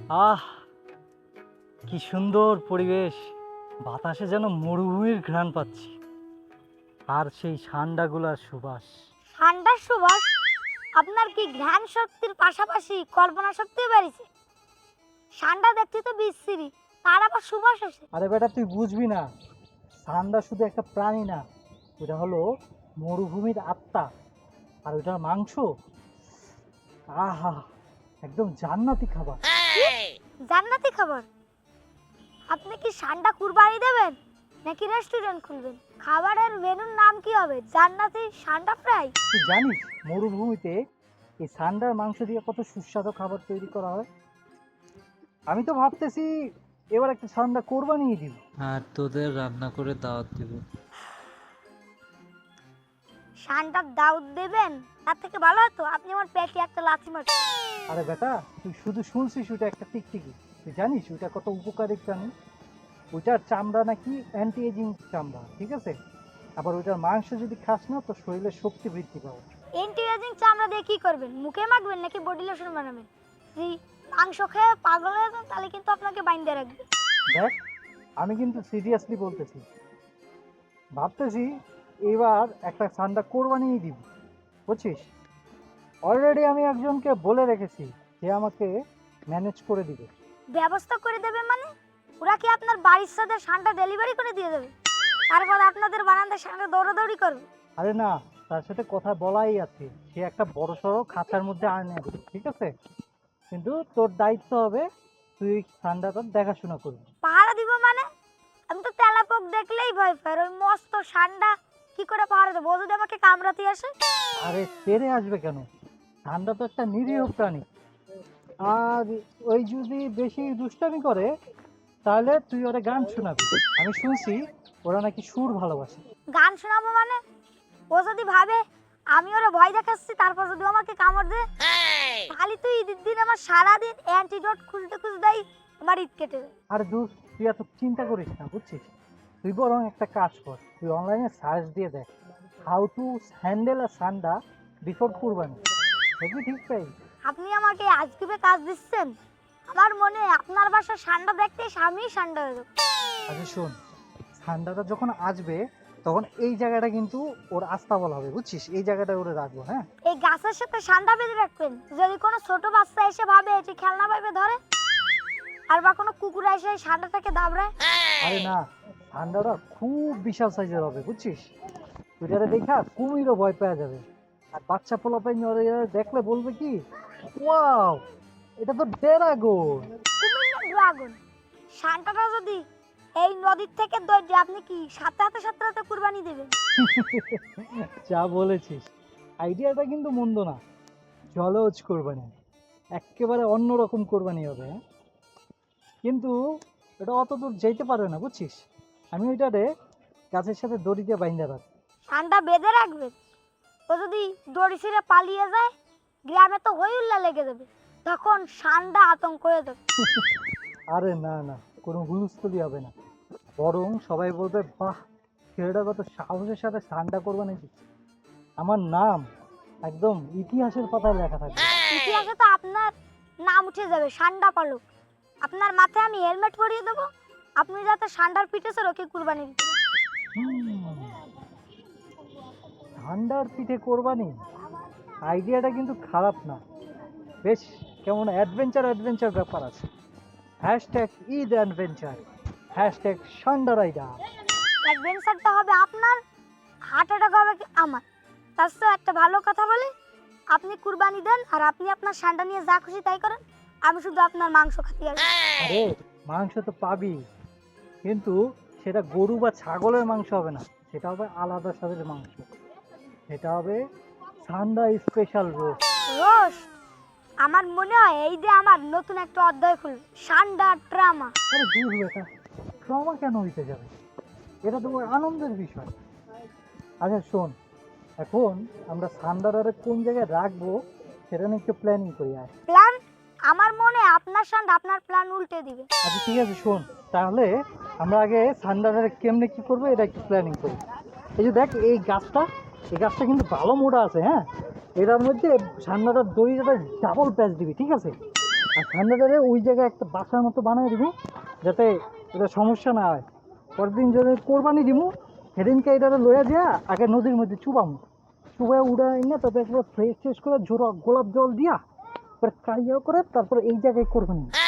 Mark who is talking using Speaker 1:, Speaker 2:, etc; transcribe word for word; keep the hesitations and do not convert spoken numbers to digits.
Speaker 1: আহ কি সুন্দর পরিবেশ, বাতাসে যেন মরুভূমির ঘ্রাণ পাচ্ছি, আর সেই ঠান্ডাগুলার সুবাস।
Speaker 2: ঠান্ডার সুবাস? আপনার কি ঘ্রাণ শক্তির পাশাপাশি কল্পনা শক্তিও বেড়েছে? ঠান্ডা দেখতে তো বিশ্রী, তার আবার সুবাস আসে?
Speaker 1: আরে বেটা তুই বুঝবি না, ঠান্ডা শুধু একটা প্রাণী না, ওটা হলো মরুভূমির আত্মা। আর ওটার মাংস, আহা, একদম জান্নাতি খাবার।
Speaker 2: জান্নাতি খাবার? আপনি কি ঠান্ডা কুরবানি দেবেন নাকি রেস্টুরেন্ট খুলবেন? খাবারের মেনুর নাম কি হবে? জান্নাতি ঠান্ডা ফ্রাই?
Speaker 1: তুই জানিস মরুভূমিতে এই ঠান্ডার মাংস দিয়ে কত সুস্বাদু খাবার তৈরি করা হয়? আমি তো ভাবতেছি এবার একটা ঠান্ডা কোরবানিই দিব।
Speaker 3: আর তোদের রান্না করে দাওয়াত দিব।
Speaker 2: ঠান্ডার দাউদ দেবেন, তার থেকে ভালো হতো আপনি আমার পেটে একটা লাথি মারতেন।
Speaker 1: আরে বেটা তুই শুধু শুনছিস ওটা একটা টিকটিকি, তুই জানিস ওটা কত উপকারী প্রাণী? ওইটার চামড়া নাকি অ্যান্টি এজিং চামড়া, ঠিক আছে? আবার ওইটার মাংস যদি খাস না তো শরীরে শক্তি বৃদ্ধি পাবে।
Speaker 2: এন্টি এজিং চামড়া দিয়ে কি করবেন? মুখে মাখবেন নাকি বডি লোশন বানাবেন? যদি মাংস খেয়ে পাগল হয়ে যান তাহলে কিন্তু আপনাকে বাইন্ধে রাখবে।
Speaker 1: দেখ আমি কিন্তু সিরিয়াসলি বলতেছি, ভাবতেছি এবার একটা ঠান্ডা কোরবানিই দিব, বুঝছিস? অলরেডি আমি একজনকে বলে রেখেছি যে আমাকে ম্যানেজ করে দিবে।
Speaker 2: ব্যবস্থা করে দেবে মানে? ওরা কি আপনার বাড়ির সাথে ঠান্ডা ডেলিভারি করে দিয়ে দেবে, তারপর আপনাদের বারান্দার সামনে দৌড়াদৌড়ি করবে?
Speaker 1: আরে না, তার সাথে কথা বলাই আছে, সে একটা বড় সড়ো খাঁচার মধ্যে আনে দেবে, ঠিক আছে? কিন্তু তোর দায়িত্ব হবে তুই ঠান্ডাটা দেখাশোনা করবি।
Speaker 2: পাহারা দিব মানে? আমি তো তেলাপোক দেখলেই ভয় পাই, আর ওই মস্ত ঠান্ডা কি করে পাহারা দেবো? ও যদি আমাকে কামড়াতে আসে?
Speaker 1: আরে তেরে আসবে কেন, ঠান্ডা তো একটা নিরীহ প্রাণী। আর ওই যদি বেশি দুষ্টামি করে তাহলে তুই ওরা গান শোনাবি। আমি শুনছি ওরা নাকি সুর ভালোবাসে।
Speaker 2: গান শোনাবো মানে? ও যদি ভাবে আমি ওরা ভয় দেখাচ্ছি তারপর যদি ও আমাকে কামড় দেয়, খালি তুই ঈদের দিন আমার সারাদিন অ্যান্টিডোট খুঁজতে খুঁজতেই আমার ঈদ কেটে যায়।
Speaker 1: আর দূর, তুই এত চিন্তা করিস না, বুঝছিস? তুই বরং একটা কাজ কর, তুই অনলাইনে সার্চ দিয়ে দেখ হাউ টু হ্যান্ডেল আ ঠান্ডা বিফোর কুরবানি, দেখবি ঠিক পাই।
Speaker 2: আপনি আমাকে আজকে কাজ দিচ্ছেন? আমার মনে হয় আপনার বাসার ঠান্ডা দেখতে স্বামী ঠান্ডা হয়ে যাবে।
Speaker 1: আচ্ছা শোন, ঠান্ডাটা যখন আসবে তখন এই জায়গাটা কিন্তু ওর আস্তাবল হবে, বুঝছিস? এই জায়গাটা ওরে রাখবো, হ্যাঁ?
Speaker 2: এই গাছের সাথে ঠান্ডা বেঁধে রাখবেন, যদি কোনো ছোট বাচ্চা এসে ভাবে এটি খেলনা পাইবে ধরে, আর বা কোনো কুকুর এসে এই ঠান্ডাটাকে দাবড়ায়।
Speaker 1: আরে না, ঠান্ডাটা খুব বিশাল সাইজের হবে, বুঝছিস? ওইটারে দেখা কুমিরও ভয় পাওয়া যাবে। আর বাচ্চা পোলাপাই দেখলে বলবে কি, ওয়াও এটা তো ড্রাগন।
Speaker 2: কুমির না ড্রাগন? ঠান্ডাটা যদি এই নদীর থেকে দৌড়ে আপনি কি সাথে হাতে সাথে হাতে কুরবানি দেবেন?
Speaker 1: যা বলেছিস, আইডিয়াটা কিন্তু মন্দ না। জলজ কোরবানি, একেবারে অন্যরকম কোরবানি হবে, হ্যাঁ? কিন্তু এটা অত দূর যেতে পারবে না, বুঝছিস? আমি ওইটারে গাছের সাথে দড়ি দিয়ে বাইন্ধা রাখবো।
Speaker 2: ঠান্ডা বেঁধে রাখবেন? ও যদি দড়ি ছিঁড়ে পালিয়ে যায়, গ্রামে তো হই হুল্লা লেগে যাবে, তখন ঠান্ডা আতঙ্ক হয়ে যাবে।
Speaker 1: আরে না না, কোনো হুলস্থুলি হবে না, বরং সবাই বলবে বাহ, ছেলেটা কত সাহসের সাথে ঠান্ডা কোরবানি দিচ্ছে। আমার নাম একদম ইতিহাসের পাতায় লেখা থাকবে।
Speaker 2: ইতিহাসে তো আপনার নাম উঠে যাবে, ঠান্ডা পালক। আপনার মাথায় আমি হেলমেট পরিয়ে দেবো, আপনি যাতে ঠান্ডার পিঠে চড়ে ওকে কুরবানি দিতে পারেন।
Speaker 1: হুম, ঠান্ডার পিঠে কোরবানি, আইডিয়াটা কিন্তু খারাপ না, বেশ কেমন অ্যাডভেঞ্চার অ্যাডভেঞ্চার ব্যাপার আছে। হ্যাশট্যাগ ঈদ অ্যাডভেঞ্চার, হ্যাশট্যাগ ঠান্ডা রাইডার।
Speaker 2: অ্যাডভেঞ্চারটা হবে আপনার, হার্ট অ্যাটাক হবে কি আমার? তার তো একটা ভালো কথা বলি, আপনি কুরবানি দেন আর আপনি আপনার ঠান্ডা নিয়ে যা খুশি তাই করেন, আমি শুধু আপনার মাংস খাতে আসবো।
Speaker 1: আরে মাংস তো পাবি, কিন্তু সেটা গরু বা ছাগলের মাংস হবে না, সেটা হবে আলাদা স্বাদের মাংস। সেটা হবে ঠান্ডা স্পেশাল রোস্ট।
Speaker 2: রোস্ট? আমার মনে হয় এই যে আমার নতুন একটা অধ্যায় খুলবে, ঠান্ডা ড্রামা।
Speaker 1: আরে দূর বেটা, ট্রমা কেন হইতে যাবে? এটা তো আনন্দের বিষয়। আচ্ছা শোন, এখন আমরা ঠান্ডাটারে কোন জায়গায় রাখবো সেটা নিয়ে একটু প্ল্যানিং করি। আয়
Speaker 2: প্ল্যান? আমার মনে হয় আপনার ঠান্ডা আপনার প্ল্যান উল্টে দিবে।
Speaker 1: আচ্ছা ঠিক আছে শোন, তাহলে আমরা আগে ঠান্ডাটারে কেমনে কি করবো এটা একটু প্ল্যানিং করি। এই যে দেখ এই গাছটা, এই গাছটা কিন্তু ভালো মোটা আছে, হ্যাঁ? এটার মধ্যে ঠান্ডাটার দড়িটা ডাবল প্যাচ দিবি, ঠিক আছে? আর ঠান্ডাটারে ওই জায়গায় একটা বাসার মতো বানাই দিব, যাতে এটা সমস্যা না হয়। পরের দিন যদি কোরবানি দিব, সেদিনকে এটা লইয়া দিয়া আগে নদীর মধ্যে চুবাম, চুবাই উড়াই না, তারপরে একবার ফ্রেশ ফ্রেশ করে ঝোড়া গোলাপ জল দিয়া তারপরে কাইয়া করে তারপরে এই জায়গায় কোরবানি।